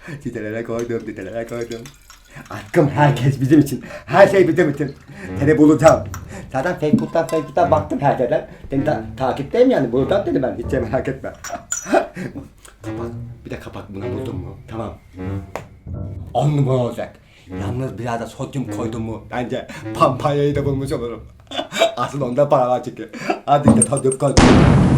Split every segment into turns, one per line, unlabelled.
Titelere koydum, titelere koydum. Aşkım herkes bizim için. Her şey bizim için. Seni bulacağım. Zaten Facebook'tan baktım her yerden. Seni takipteyim yani. Bulacağım dedi ben. Hiç merak etme. Kapak. Bir de kapak buna buldum mu? Tamam. 10 numara olacak. Yalnız biraz da sodyum koydum mu? Bence pampanyayı da bulmuş olurum. Aslında onda para var çünkü. Hadi işte sodyum koydum.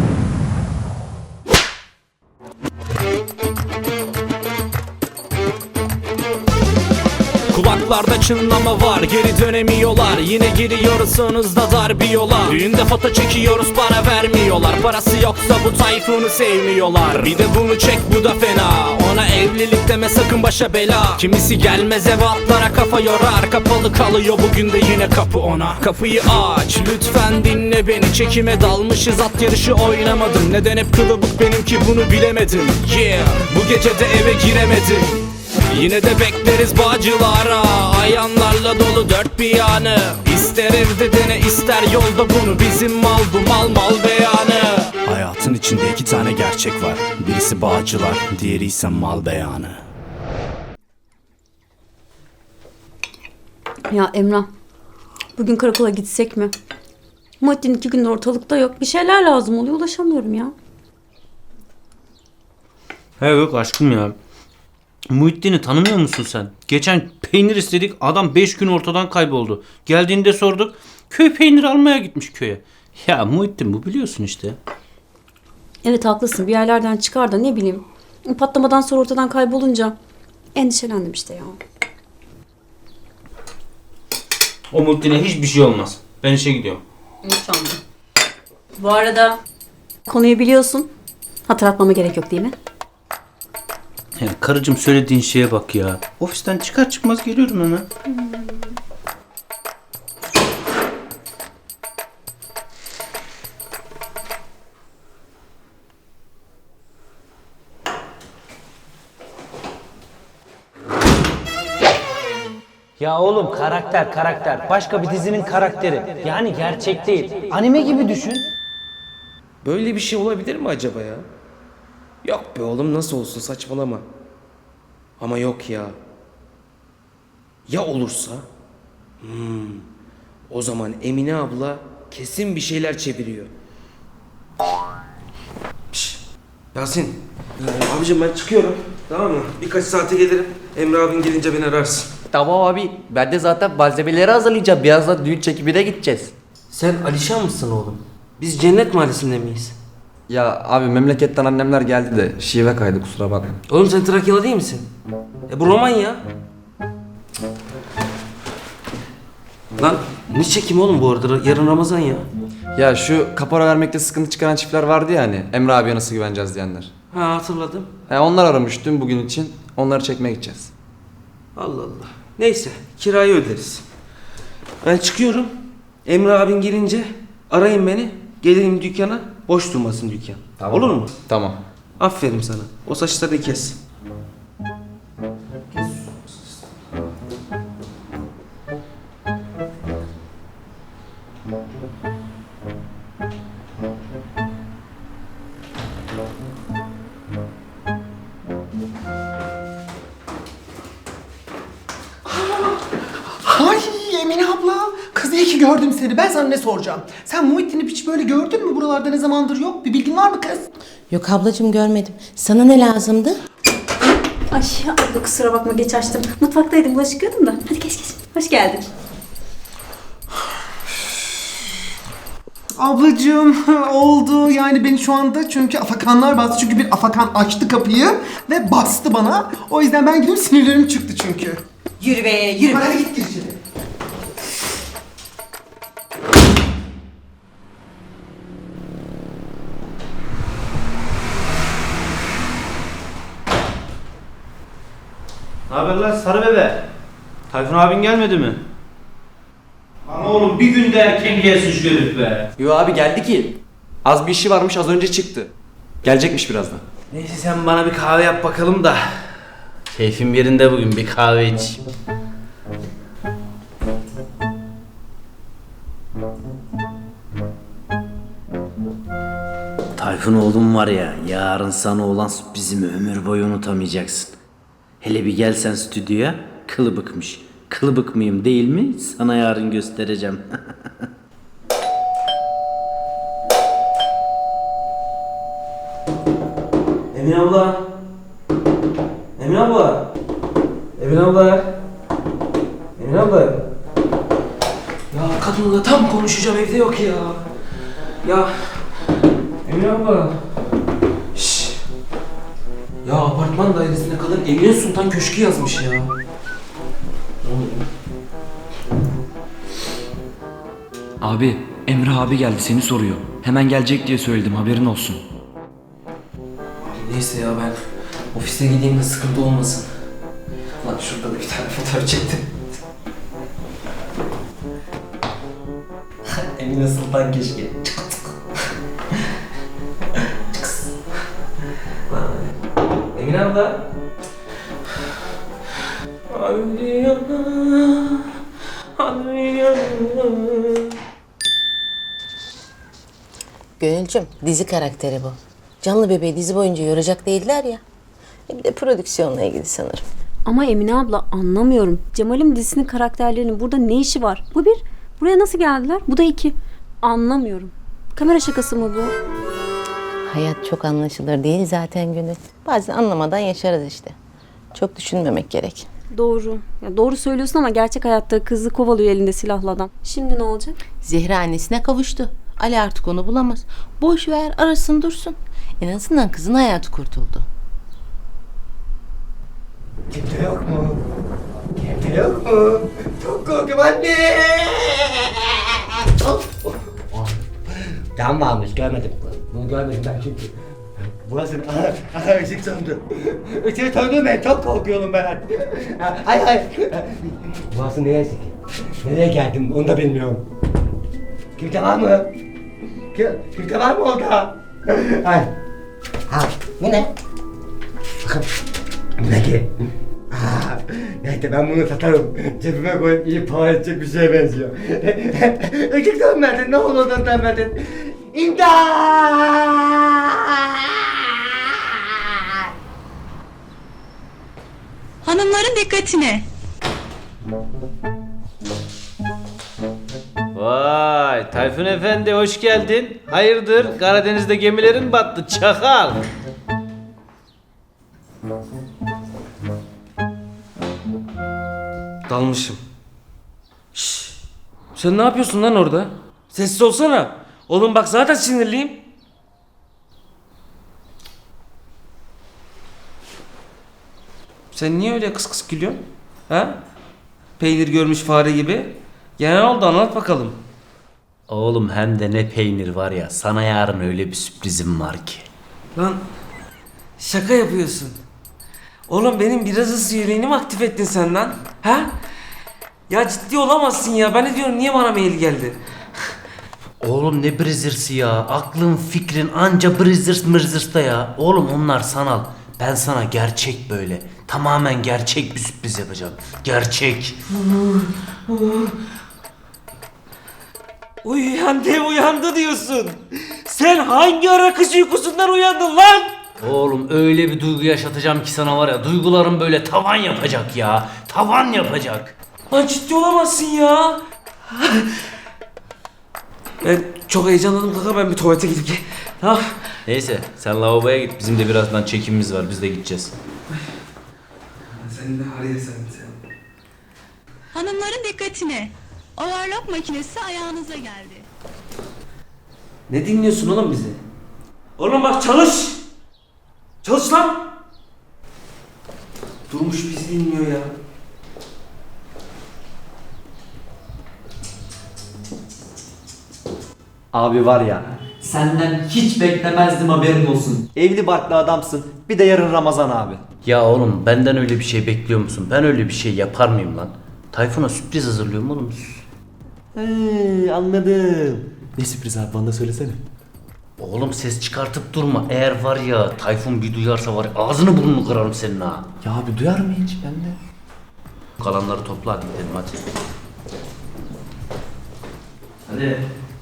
Kulaklarda çınlama var, geri dönemiyorlar. Yine giriyoruz sonuzda dar bir yola. Düğünde foto çekiyoruz, para vermiyorlar. Parası yoksa bu Tayfun'u sevmiyorlar. Bir de bunu çek, bu da fena. Ona evlilik deme sakın, başa bela. Kimisi gelmez eve, atlara kafa yorar. Kapalı kalıyor bugün de yine kapı ona. Kapıyı aç lütfen, dinle beni. Çekime dalmışız, at yarışı oynamadım. Neden hep kılıbık benimki, bunu bilemedim. Yeah, bu gece de eve giremedim. Yine de bekleriz Bağcılar'a, ayanlarla dolu dört bir yanı. İster evde dene, ister yolda bunu. Bizim mal bu, mal beyanı. Hayatın içinde iki tane gerçek var. Birisi Bağcılar, diğeri ise mal beyanı.
Ya Emrah, bugün karakola gitsek mi? Muhittin 2 gündür ortalıkta yok. Bir şeyler lazım oluyor, ulaşamıyorum ya.
He yok aşkım ya. Muhittin'i tanımıyor musun sen? Geçen peynir istedik, adam 5 gün ortadan kayboldu. Geldiğinde sorduk, köy peyniri almaya gitmiş köye. Ya Muhittin bu, biliyorsun işte.
Evet haklısın, bir yerlerden çıkar da ne bileyim. Patlamadan sonra ortadan kaybolunca endişelendim işte ya.
O Muhittin'e hiçbir şey olmaz. Ben işe gidiyorum.
İnşallah. Bu arada konuyu biliyorsun. Hatırlatmama gerek yok değil mi?
Ya karıcığım, söylediğin şeye bak ya. Ofisten çıkar çıkmaz geliyorum hemen.
Ya oğlum, karakter. Başka bir dizinin karakteri. Yani gerçek değil. Anime gibi düşün.
Böyle bir şey olabilir mi acaba ya? Yok be oğlum, nasıl olsun, saçmalama. Ama yok ya. Ya olursa? O zaman Emine abla kesin bir şeyler çeviriyor. Şşş, Yasin. Abicim ben çıkıyorum. Tamam mı? Birkaç saate gelirim. Emre abin gelince beni ararsın.
Tamam abi, ben de zaten malzemeleri hazırlayacağım. Birazdan düğün çekimine gideceğiz.
Sen Alişan mısın oğlum? Biz Cennet Mahallesi'nde miyiz?
Ya abi, memleketten annemler geldi de şive kaydı, kusura bakma.
Oğlum sen Trakyalı değil misin? Bu roman ya. Lan ne çekim oğlum bu arada? Yarın Ramazan ya.
Ya şu kapora vermekte sıkıntı çıkaran çiftler vardı ya hani, Emre abiye nasıl güveneceğiz diyenler.
Ha, hatırladım.
Onlar aramış dün bugün için, onları çekmeye gideceğiz.
Allah Allah. Neyse, kirayı öderiz. Ben çıkıyorum. Emre abin gelince arayın beni. Gelelim dükkana. Boş durmasın dükkan.
Tamam.
Olur mu?
Tamam.
Aferin sana. O saçlarını kes.
Ay Emine abla, kız iyi ki gördüm seni. Ben sana ne soracağım? Sen Muhittin'i hiç böyle gördün mü? Buralarda ne zamandır yok. Bir bilgin var mı kız?
Yok ablacığım, görmedim. Sana ne lazımdı?
Ay abla kusura bakma, geç açtım. Mutfaktaydım, bulaşık yıkıyordum da. Hadi geç. Hoş geldin.
Ablacığım oldu yani, beni şu anda çünkü afakanlar bastı. Çünkü bir afakan açtı kapıyı ve bastı bana. O yüzden ben gidiyorum, sinirlerim çıktı çünkü.
Yürü be, yürü.
Hadi git gir içeri.
Ne haber lan sarı bebe? Tayfun abin gelmedi mi? Ama oğlum bir gün de erken gelsin şu herif be.
Yo abi, geldi ki. Az bir işi varmış, az önce çıktı. Gelecekmiş birazdan.
Neyse sen bana bir kahve yap bakalım da. Keyfim yerinde bugün, bir kahve iç. Tayfun oğlum var ya, yarın sana olan sürprizimi ömür boyu unutamayacaksın.
Hele bir gelsen stüdyoya, kılıbıkmış. Kılıbık mıyım değil mi? Sana yarın göstereceğim.
Emin abla. Emin abla. Emin abla. Emin abla. Ya kadınla tam konuşacağım, evde yok ya. Ya Emin abla. Şşş. Ya apartman dairesine kadın Emine Sultan Köşkü yazmış ya.
Abi, Emre abi geldi seni soruyor. Hemen gelecek diye söyledim, haberin olsun.
Neyse ya, ben ofise gideyim de sıkıntı olmasın. Lan şurada da bir tane fotoğraf çektim. Emine Sultan Keşke. Emine abla. Hadi yana, hadi yana.
Gönülcüm, dizi karakteri bu. Canlı bebeği dizi boyunca yoracak değiller ya. Bir de prodüksiyonla ilgili sanırım.
Ama Emine abla anlamıyorum. Cemal'im dizisinin karakterlerinin burada ne işi var? Bu bir. Buraya nasıl geldiler? Bu da iki. Anlamıyorum. Kamera şakası mı bu?
Hayat çok anlaşılır değil zaten Gönül. Bazen anlamadan yaşarız işte. Çok düşünmemek gerek.
Doğru. Ya doğru söylüyorsun ama gerçek hayatta kızı kovalıyor elinde silahlı adam. Şimdi ne olacak?
Zehra annesine kavuştu. Ali artık onu bulamaz. Boş ver, arasın dursun. En azından kızın hayatı kurtuldu.
Kimse yok mu? Kimse yok mu? Çok korkuyorum anne. Tam varmış, görmedim. Bunu görmedim ben çünkü. Burası ışık söndü. Işık söndü, ben çok korkuyorum ben. Ay. Burası neresi ki? Nereye geldim onu da bilmiyorum. Kimse var mı? Kimse var mı orada? Ay. Ha, bu ne? Bakın. Bu ne ki? Neyse ben bunu satarım. Cebime koyup iyi para edecek bir şeye benziyor. Işık sönmedin, ne olur sönmedin. İmdat!
Hanımların dikkatine.
Vay Tayfun Efendi hoş geldin. Hayırdır Karadeniz'de gemilerin battı çakal.
Dalmışım. Şşş. Sen ne yapıyorsun lan orada? Sessiz olsana. Oğlum bak zaten sinirliyim. Sen niye öyle kıs kıs gülüyorsun? Ha? Peynir görmüş fare gibi. Ya ne oldu anlat bakalım.
Oğlum hem de ne peynir var ya, sana yarın öyle bir sürprizim var ki.
Lan şaka yapıyorsun. Oğlum benim biraz ısı yüreğini mi aktif ettin sen lan? Ha? Ya ciddi olamazsın ya. Ben ne diyorum, niye bana mail geldi?
Oğlum ne Brazzers ya, aklın fikrin anca Brazzers mırzers'ta ya. Oğlum onlar sanal, ben sana gerçek böyle, tamamen gerçek bir sürpriz yapacağım. Gerçek.
Uyandı diyorsun. Sen hangi ara kış uykusundan uyandın lan?
Oğlum öyle bir duygu yaşatacağım ki sana var ya, duygularım böyle tavan yapacak ya. Tavan yapacak.
Lan ciddi olamazsın ya. Ben çok heyecanlandım kanka, ben bir tuvalete gidip tamam.
Neyse sen lavaboya git, bizim de birazdan çekimimiz var, biz de gideceğiz.
Sen de araya sen.
Hanımların dikkatine. Overlock makinesi ayağınıza geldi.
Ne dinliyorsun oğlum bizi? Oğlum bak çalış. Çalış lan. Durmuş bizi dinliyor ya.
Abi var ya, senden hiç beklemezdim, haberin olsun. Evli barklı adamsın. Bir de yarın Ramazan abi.
Ya oğlum benden öyle bir şey bekliyor musun? Ben öyle bir şey yapar mıyım lan? Tayfun'a sürpriz hazırlıyorum oğlum.
Anladım. Ne sürpriz abi, bana da söylesene.
Oğlum ses çıkartıp durma. Eğer var ya Tayfun bir duyarsa var ya, ağzını burnunu kırarım senin ha.
Ya abi duyar mı hiç, ben de?
Kalanları topla hadi gidelim hadi. Hadi.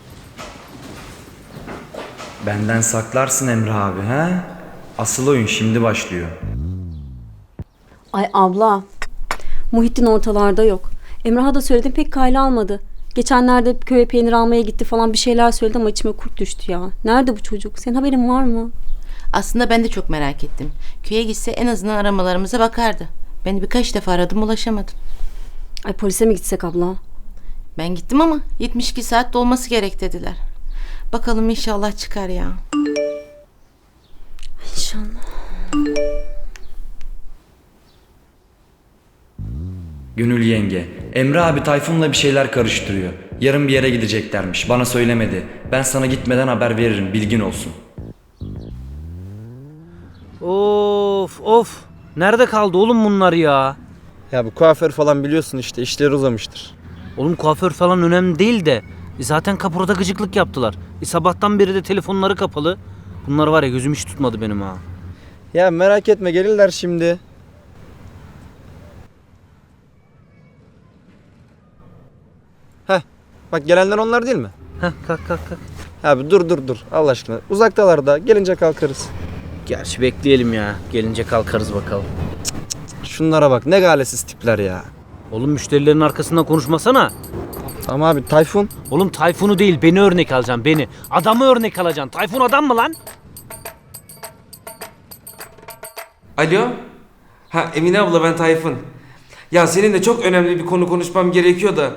Benden saklarsın Emre abi ha? Asıl oyun şimdi başlıyor.
Ay abla. Muhittin ortalarda yok. Emrah'a da söyledim pek kayla almadı. Geçenlerde köye peynir almaya gitti falan bir şeyler söyledi ama içime kurt düştü ya. Nerede bu çocuk? Senin haberin var mı?
Aslında ben de çok merak ettim. Köye gitse en azından aramalarımıza bakardı. Ben birkaç defa aradım, ulaşamadım.
Ay polise mi gitsek abla?
Ben gittim ama 72 saat dolması gerek dediler. Bakalım inşallah çıkar ya.
İnşallah.
Gönül yenge, Emre abi Tayfun'la bir şeyler karıştırıyor. Yarın bir yere gideceklermiş. Bana söylemedi. Ben sana gitmeden haber veririm. Bilgin olsun.
Of of. Nerede kaldı oğlum bunlar ya?
Ya bu kuaför falan biliyorsun işte işleri uzamıştır.
Oğlum kuaför falan önemli değil de. Zaten kapıda gıcıklık yaptılar. Sabahtan beri de telefonları kapalı. Bunlar var ya gözüm hiç tutmadı benim ha.
Ya merak etme gelirler şimdi. Heh bak gelenler onlar değil mi?
Heh kalk.
Abi dur Allah aşkına. Uzaktalar da gelince kalkarız.
Gerçi bekleyelim ya. Gelince kalkarız bakalım.
Şunlara bak ne galesiz tipler ya.
Oğlum müşterilerin arkasından konuşmasana.
Ama abi Tayfun.
Oğlum Tayfun'u değil beni örnek alacaksın beni. Adamı örnek alacaksın. Tayfun adam mı lan?
Alo? Ha Emine abla ben Tayfun. Ya seninle çok önemli bir konu konuşmam gerekiyor da.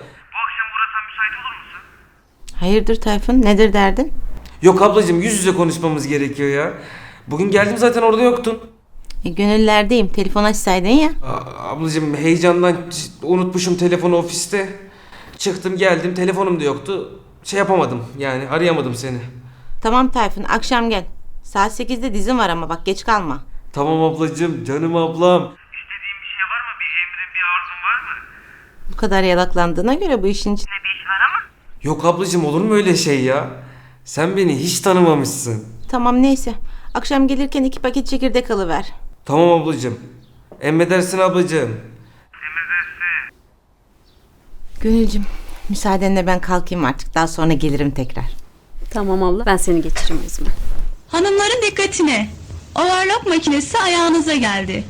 Hayırdır Tayfun, nedir derdin?
Yok ablacığım yüz yüze konuşmamız gerekiyor ya. Bugün geldim zaten orada yoktun.
Gönüllerdeyim, telefon açsaydın ya.
Ablacığım heyecandan unutmuşum telefonu ofiste. Çıktım geldim telefonum da yoktu. Şey yapamadım yani arayamadım seni.
Tamam Tayfun, akşam gel. Saat 8'de dizim var ama bak geç kalma.
Tamam ablacığım canım ablam.
Bu kadar yalaklandığına göre bu işin içinde bir iş var ama.
Yok ablacığım olur mu öyle şey ya? Sen beni hiç tanımamışsın.
Tamam neyse. Akşam gelirken 2 paket çekirdek alıver.
Tamam ablacığım. Emredersin ablacığım.
Gönülcüm, müsaadenle ben kalkayım artık. Daha sonra gelirim tekrar.
Tamam abla ben seni geçireyim o zaman.
Hanımların dikkatine. Overlock makinesi ayağınıza geldi.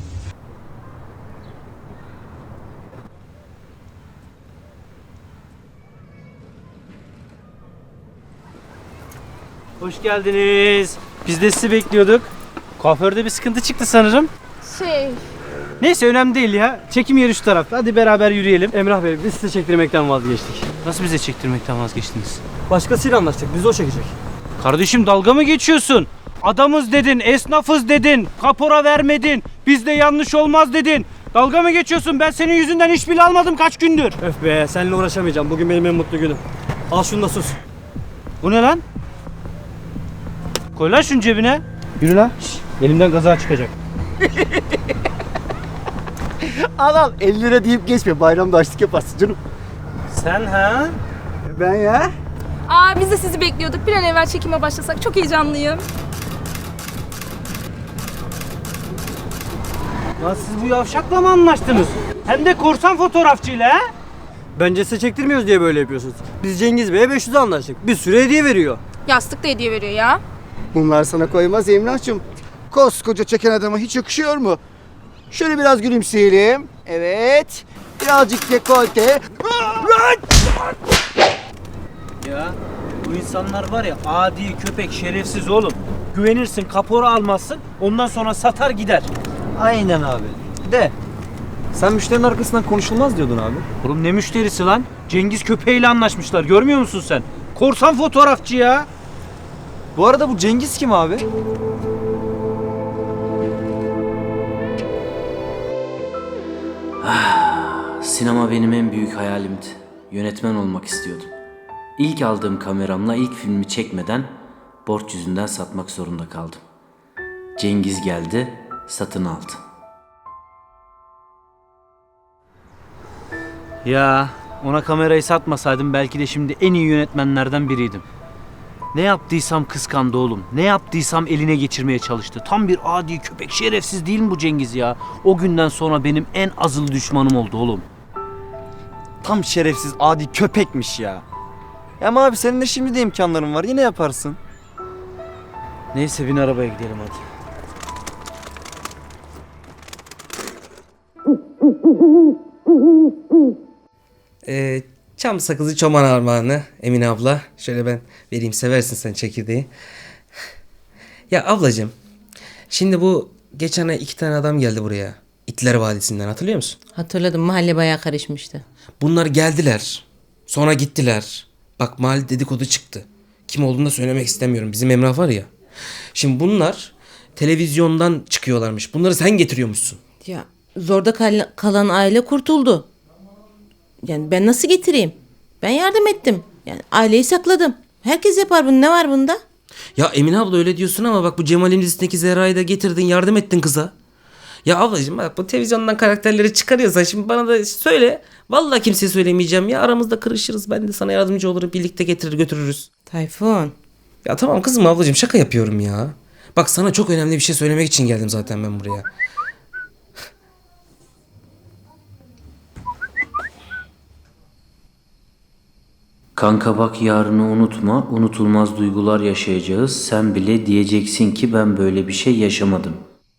Hoş geldiniz. Biz de sizi bekliyorduk. Kuaförde bir sıkıntı çıktı sanırım. Neyse önemli değil ya. Çekim yeri şu tarafta. Hadi beraber yürüyelim.
Emrah Bey biz size çektirmekten vazgeçtik.
Nasıl bize çektirmekten vazgeçtiniz?
Başkasıyla anlaştık bizi o çekecek.
Kardeşim dalga mı geçiyorsun? Adamız dedin, esnafız dedin, kapora vermedin, bizde yanlış olmaz dedin. Dalga mı geçiyorsun? Ben senin yüzünden iş bile almadım kaç gündür.
Öf be seninle uğraşamayacağım. Bugün benim en mutlu günüm. Al şunu da sus.
Bu ne lan? Koy lan şunu cebine.
Yürü lan. Elimden kaza çıkacak.
Al 50 lira deyip geçme bayramda açlık yaparsın canım.
Sen ha?
Ben ya.
Aa biz de sizi bekliyorduk. Bir an evvel çekime başlasak. Çok heyecanlıyım.
Lan siz bu yavşakla mı anlaştınız? Hem de korsan fotoğrafçıyla ha?
Bence size çektirmiyoruz diye böyle yapıyorsunuz. Biz Cengiz Bey'e 500'e anlaştık. Bir sürü hediye veriyor.
Yastık da hediye veriyor ya.
Bunlar sana koymaz Emrah'cığım. Koskoca çeken adama hiç yakışıyor mu? Şöyle biraz gülümseyelim. Evet. Birazcık dekolte.
Ya bu insanlar var ya adi köpek şerefsiz oğlum. Güvenirsin kapora almazsın ondan sonra satar gider.
Aynen abi. De. Sen müşterinin arkasından konuşulmaz diyordun abi.
Oğlum ne müşterisi lan? Cengiz köpeğiyle anlaşmışlar görmüyor musun sen? Korsan fotoğrafçı ya.
Bu arada bu Cengiz kim abi?
Sinema benim en büyük hayalimdi. Yönetmen olmak istiyordum. İlk aldığım kameramla ilk filmi çekmeden borç yüzünden satmak zorunda kaldım. Cengiz geldi, satın aldı.
Ya ona kamerayı satmasaydım belki de şimdi en iyi yönetmenlerden biriydim. Ne yaptıysam kıskandı oğlum. Ne yaptıysam eline geçirmeye çalıştı. Tam bir adi köpek şerefsiz değil mi bu Cengiz ya? O günden sonra benim en azılı düşmanım oldu oğlum.
Tam şerefsiz adi köpekmiş ya. Ama abi senin de şimdi de imkanların var yine yaparsın.
Neyse bin arabaya gidelim hadi.
Çam sakızı çoban armağanı Emine abla. Şöyle ben vereyim, seversin sen çekirdeği. Ya ablacığım, şimdi bu geçen ay 2 tane adam geldi buraya. İtler Vadisi'nden, hatırlıyor musun?
Hatırladım, mahalle bayağı karışmıştı.
Bunlar geldiler. Sonra gittiler. Bak mahalle dedikodu çıktı. Kim olduğunu da söylemek istemiyorum. Bizim Emrah var ya. Şimdi bunlar televizyondan çıkıyorlarmış. Bunları sen getiriyormuşsun.
Ya zorda kalan aile kurtuldu. Yani ben nasıl getireyim? Ben yardım ettim. Yani aileyi sakladım. Herkes yapar bunu. Ne var bunda?
Ya Emine abla öyle diyorsun ama bak bu Cemal'in dizisindeki Zehra'yı da getirdin, yardım ettin kıza. Ya ablacığım bak bu televizyondan karakterleri çıkarıyorsan şimdi bana da söyle. Vallahi kimseye söylemeyeceğim ya, aramızda kırışırız. Ben de sana yardımcı olurum, birlikte getirir götürürüz.
Tayfun.
Ya tamam kızım ablacığım, şaka yapıyorum ya. Bak sana çok önemli bir şey söylemek için geldim zaten ben buraya.
Kanka bak yarını unutma, unutulmaz duygular yaşayacağız. Sen bile diyeceksin ki ben böyle bir şey yaşamadım.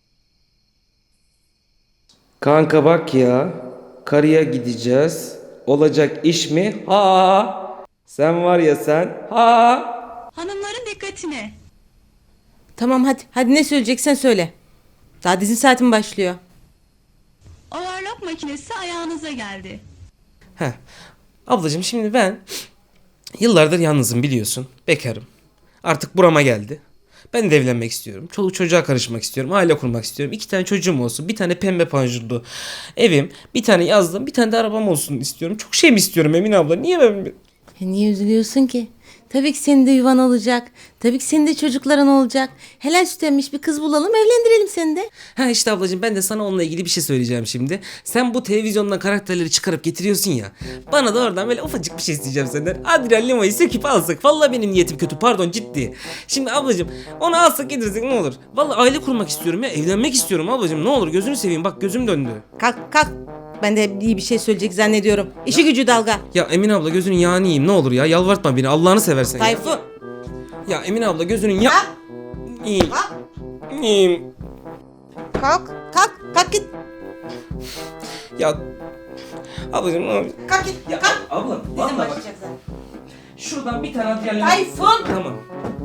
Kanka bak ya, karıya gideceğiz. Olacak iş mi? Ha! Sen var ya sen. Ha!
Hanımların dikkatine.
Tamam hadi. Hadi ne söyleyeceksen söyle. Daha dizi saatim başlıyor.
Overlock makinesi ayağınıza geldi.
Heh. Ablacığım şimdi ben yıllardır yalnızım, biliyorsun. Bekarım. Artık burama geldi. Ben de evlenmek istiyorum. Çoluk çocuğa karışmak istiyorum. Aile kurmak istiyorum. 2 tane çocuğum olsun. Bir tane pembe panjurlu evim. Bir tane yazlığım. Bir tane de arabam olsun istiyorum. Çok şey mi istiyorum Emine abla? Niye ben...
Niye üzülüyorsun ki? Tabii ki senin de yuvan olacak. Tabii ki senin de çocukların olacak. Helal süt emmiş bir kız bulalım, evlendirelim seni de.
Ha işte ablacığım, ben de sana onunla ilgili bir şey söyleyeceğim şimdi. Sen bu televizyondan karakterleri çıkarıp getiriyorsun ya. Bana da oradan böyle ufacık bir şey isteyeceğim senden. Adrian Lima'yı söküp alsak. Vallahi benim niyetim kötü, pardon, ciddi. Şimdi ablacığım onu alsak getirsek ne olur? Vallahi aile kurmak istiyorum ya. Evlenmek istiyorum ablacığım, ne olur gözünü seveyim, bak gözüm döndü.
Kalk kalk. Ben de iyi bir şey söyleyecek zannediyorum. İşi gücü dalga.
Ya Emine abla gözünün yağını yiyeyim ne olur ya. Yalvartma beni, Allah'ını seversen.
Tayfun.
Ya Emine abla gözünün ya... İyiyim. İyiyim.
Kalk. Kalk git.
Ya... Ablacığım ne olur.
Kalk git.
Ya
kalk.
abla
Dizin
vallahi bak.
başlayacak zaten.
Şuradan bir tane Adrian Lima...
Tayfun.
Tamam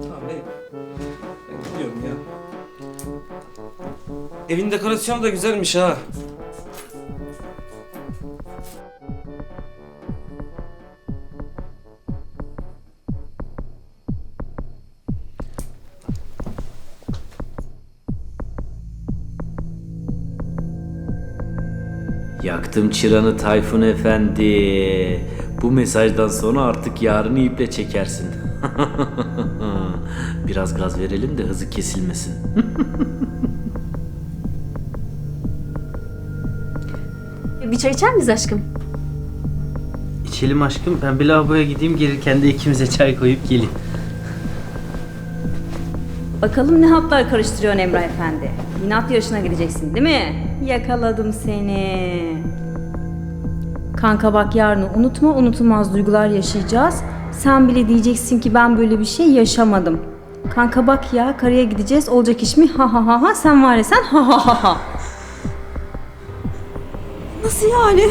ben gidiyorum ya. Evin dekorasyonu da güzelmiş ha.
Yaktım çıranı Tayfun Efendi. Bu mesajdan sonra artık yarını iple çekersin. Biraz gaz verelim de hızı kesilmesin.
Bir çay içer miyiz aşkım?
İçelim aşkım. Ben bir lavaboya gideyim, gelirken de ikimize çay koyup geleyim.
Bakalım ne hatlar karıştırıyorsun Emrah Efendi. Yine at yarışına gideceksin değil mi? Yakaladım seni. Kanka bak yarını unutma, unutulmaz duygular yaşayacağız. Sen bile diyeceksin ki ben böyle bir şey yaşamadım. Kanka bak ya, karıya gideceğiz, olacak iş mi? Ha ha ha ha, sen var ya sen, ha ha ha ha. Nasıl yani?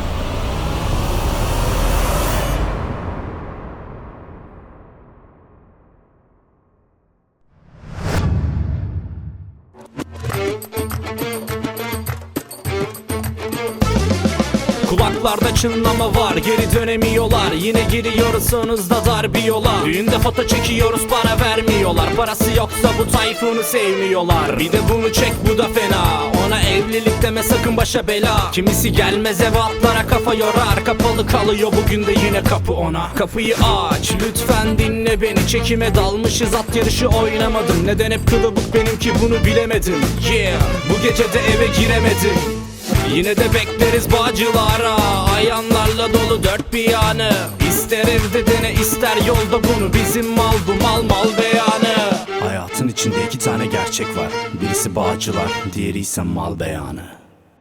Kulaklarda çınlama var, geri dönemiyorlar. Yine giriyoruz sonuzda dar bir yola. Düğünde foto çekiyoruz, para vermiyorlar. Parası yoksa bu Tayfun'u sevmiyorlar. Bir de bunu çek, bu da fena. Ona evlilik deme sakın, başa bela. Kimisi gelmez eve, atlara kafa yorar. Kapalı kalıyor bugün de yine kapı ona. Kapıyı aç lütfen, dinle beni. Çekime dalmışız, at yarışı oynamadım. Neden hep kılıbık benimki, bunu bilemedim. Yeah, bu gece de eve giremedim. Yine de bekleriz Bağcılar'a. Ayanlarla dolu dört bir yanı. İster evde dene, ister yolda bunu. Bizim mal bu, mal beyanı. Hayatın içinde 2 tane gerçek var. Birisi Bağcılar, diğeri ise mal beyanı.